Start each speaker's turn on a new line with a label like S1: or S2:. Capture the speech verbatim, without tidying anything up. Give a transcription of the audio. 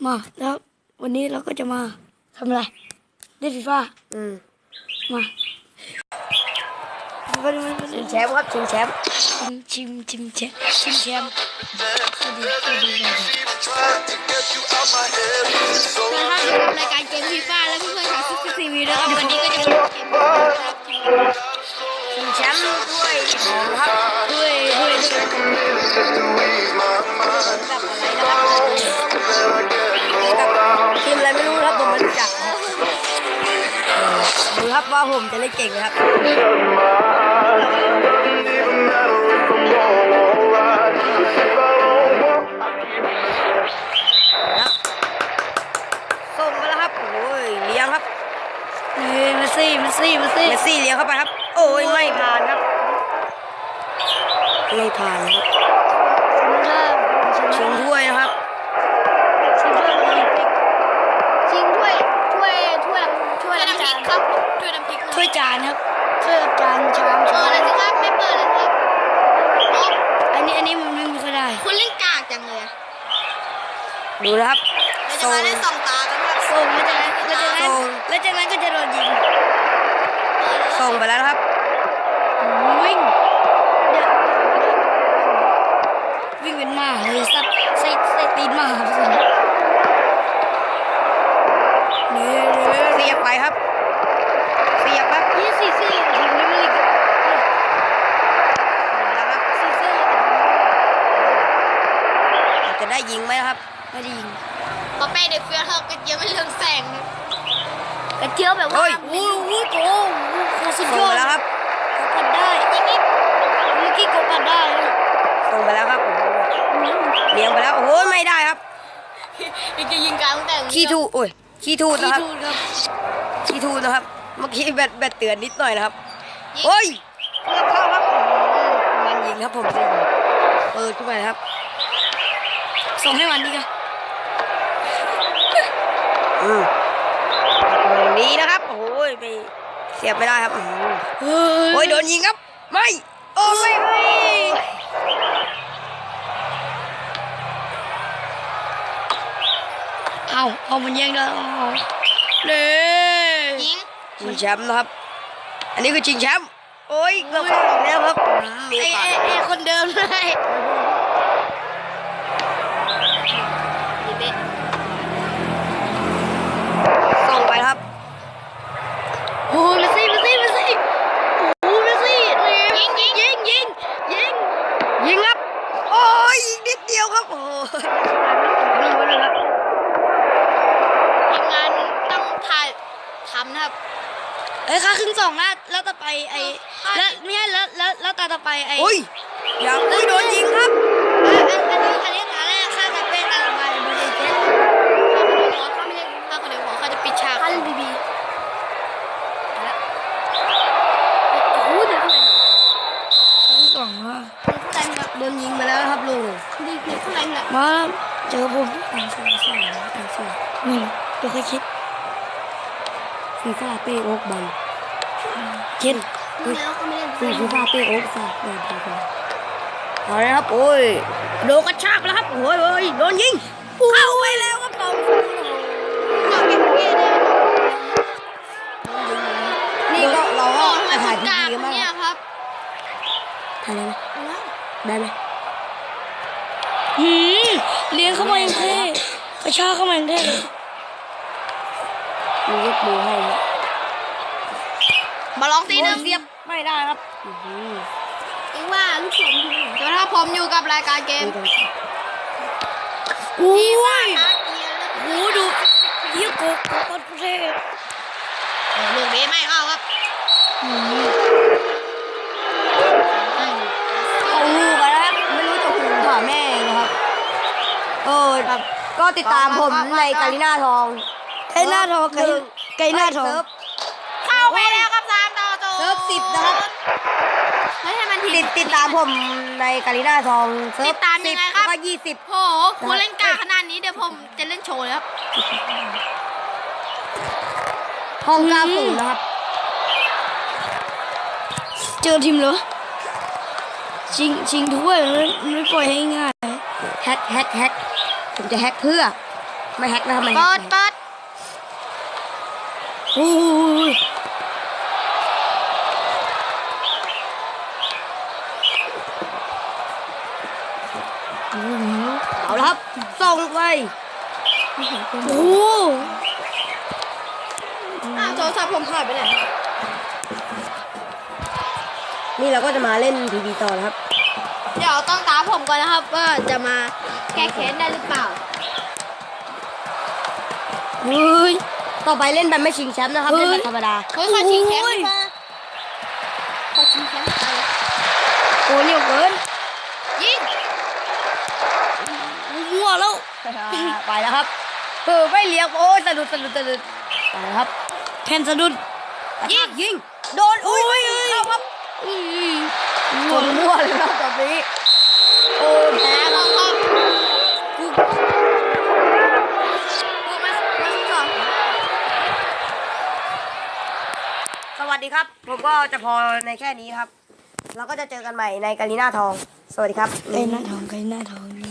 S1: มาแล้ววันนี้เราก็จะมาทำอะไรเล่นฟีฟ่า
S2: อืม
S1: มา
S2: ชิงแชมป์ครับชิงแชมป์
S1: ชิมชิมชิมแชมป์ชิมแชมป์ก็ดีก็ดีเลย
S3: ถ้าดูรายการเกมฟีฟ่าแล้วเพื่อนๆชาวซิกซีวีนะครับวันนี้ก็จะเป็นเกม
S2: ชิงแชมป์ด้วยของครับ
S1: ด้วยด้วย
S2: กับอะไรนะครับทีมอะไรไม่รู้ครับผมไม่รู้จักดูครับว่าผมจะเล่นเก่งนะครับส่งมาแล้วครับโอ้ยเลี้ยงครับ
S1: เฮ้ยมาซี่มาซี่มาซี่
S2: เมสซี่เลี้ยงเข้าไปครับโอ้ยไม่ผ่านครับไม่ผ่านครับชิงถ้วยนะครับ
S1: ชิงถ้วย
S3: ชิงถ้วยถ้วยถ้วยถ้วยน้ำพริกครับถ้วยน้ำพริก
S1: ถ้วยจานครับถ้วยจานชาม
S3: เปิดเลยสิครับไม่เปิดเลยครับ
S1: อันนี้อันนี้มันไม่ค่อยได้
S3: คุณเล่นกากจังเลย
S2: ดูนะครับ
S3: เราจะมาเล่นสองตากันครับ
S1: ส่งแล้วจากนั้นแล้วจากนั้นแล้วจากนั้นก็จะโดนยิง
S2: ส่งไปแล้วนะครับ
S1: วิ่งวิ่งเป็นหมาเลยสัตว์ใส่ใส่ตีนหมาครับสิ
S2: เนี่ยเสียบไปครับเสียบครับ
S1: ยี่สี่สี่ทีมนี้ไม่ได้
S2: แล้วครับ
S1: สี่สี่
S2: จะได้ยิงไหมครับ
S1: ไม่ได้ยิง
S3: พอเป้เด็กเฟี้ยวเท่ากันเยอะไม่เรื่องแสง
S1: กระเจียวแบบว่าโอ้โหโอ้โหสุดยอด
S2: แล้วครับ
S1: กดได้ยังงี้เมื่อกี้กดได้
S2: ส่งไปแล้วครับเลี้ยงไปแล้วโอ้ยไม่ได้ครับ
S3: ยังจะยิงกลางแต่
S2: ขี้ทูโอ้ยขี้ทูนะครับ
S1: ขี้ทูครับ
S2: ขี้ทูนะครับเมื่อกี้แบตแบตเตือนนิดหน่อยนะครับโอ้ยเข้าครับมันยิงครับผมจะยิงเปิดขึ้นไปครับ
S1: ส่งให้มันดีกัน
S2: อืมดีนะครับโอ้ยไปเสียบไม่ได้ครับโอ้ยโดนยิงครับไม่โอ้ไม่ไม่
S1: เอาเอามันแย่งได้เน่
S3: ยิง
S2: ชิงแชมป์นะครับอันนี้คือชิงแชมป์โอ้ยเกือบเข้าแล้วครับ
S1: ไอ้ไอ้ไอ้คนเดิมเลย
S2: ส่งไปครับ
S1: โอ้เมสซี่เมสซี่เมสซี่โอ้เมสซี่ยิงยิงยิงยิงยิง
S2: ยิงครับโอ้ยอีกนิดเดียวครับโอ้
S1: ยิงไปเลยครับ
S3: ทีมงานต้องถ่ายทำนะครับ
S1: เอ้ยค่าครึ่งสองแล้วแล้วต่อไปไอ้แล้วไม่ใช่แล้วแล้วแล้วตาต่อไปไอ้
S2: โอ้ยยังไม่โดนยิงครับ
S1: อันอันนี้อันนี้ตาแรกค่าจะเป็นตาต่อไปบริเกต
S3: ถ้าไม่ได้ถ้าคนเดียวเขาจะปิดฉาก
S1: คันบีบีโอ้โหเดี๋ยวเท่าไหร่ครึ่งสองว่ะ
S3: เท่าไหร่ครับ
S2: โดนยิงไปแล้วครับลุง
S3: ดีเท่าไหร่ครับ
S1: มาเจอผมอ่านสื่อสื่ออ่านสื่อนี่ตัวใครคิดฟีฟ่าเป้โอ๊กบันเช่นฟีฟีฟ่าเป้โอ๊กฝากเลยดีกว่า
S2: เอาเลยครับโอ้ยโดนกระชากแล้วครับโอ้ยโอ้ยโดนยิงเข้าไปแล้วครับผมนี่ก็เราก็ถ่ายทีวีกันมาก
S3: เนี่ยครับ
S1: ถ่ายได้ไหมได้ไหมหืมเลี้ยงเข้ามาอย่างเท่กระชากเข้ามาอย่างเท่
S2: มียกมือให้
S3: มาลองตีหนึ่ง
S2: เสียบไม่ได้ครับ
S3: เองว่าลูกสมจะถ้าผมอยู่กับรายการเกม
S1: โอ้ยโอ้ดูเยี่ยกบกบประเทศ
S3: ลูกนี้ไม่เข้าครับ
S2: เอาลูกกันนะครับไม่รู้จะหูผ่าแม่นะครับเออก็ติดตามผมในกาลิน่าทอง
S1: ไก่หน้าทองไก่ไก่หน้าทอง
S3: เข้าไปแล้วครับสามต่อศูนย์
S2: เซิร์ฟสิบนะครับ
S3: ไม่ให้มัน
S2: ติดติดตามผมในกาลิน่าทองเซิร์ฟ
S3: ติดตามยังไงครับ
S2: ก็ยี่สิบ
S3: โหคุณเล่นกาขนาดนี้เดี๋ยวผมจะเล่นโชว์เลยครับ
S2: ห้องเก้าศูนย์นะครับ
S1: เจอทีมเหรอชิงชิงถ้วยไม่ไม่ปล่อยให้ง่าย
S2: แฮกแฮกแฮกผมจะแฮกเพื่อไม่แฮกนะครับไม่แฮ
S3: เปิ
S2: ก
S3: ดเปิด
S2: โอ้ยเอาละครับส่งไป
S1: โอ้
S3: อ้าวโทรศัพท์ผมหายไปไหน
S2: นี่เราก็จะมาเล่นพีบีต่อนะครับ
S3: เดี๋ยวต้องตามผมก่อนนะครับว่าจะมาแก้แค้นได้หรือเปล่า
S2: เฮ้ยต่อไปเล่นแบบไม่ชิงแชมป์นะครับเล่นแบบธรรมดา
S3: เฮ้ยขอชิงแชมป์มาขอชิงแชมป์ไป
S2: โอ้เหนียวเกิน
S3: ยิง
S1: มั่วแล้ว
S2: ไปแล้วครับเออไม่เลี้ยงโอ้ยสะดุดสะดุดสะดุดไปแล้วครับ
S1: แทนสะดุด
S2: ยิงยิงโดนอุ้ยเข้าครับ
S1: อุ้ย
S2: ชนมั่วเลยครับตอนนี้โอ้แพ้
S3: แล้
S2: แล้ว ว
S3: ก็
S2: กู
S3: กูมามาสอง
S2: สวัสดีครับ ผมก็จะพอในแค่นี้ครับ เราก็จะเจอกันใหม่ในกาลีนาทอง สวัสดีครับ
S1: ไอ้หน้าทองไอ้หน้าทอง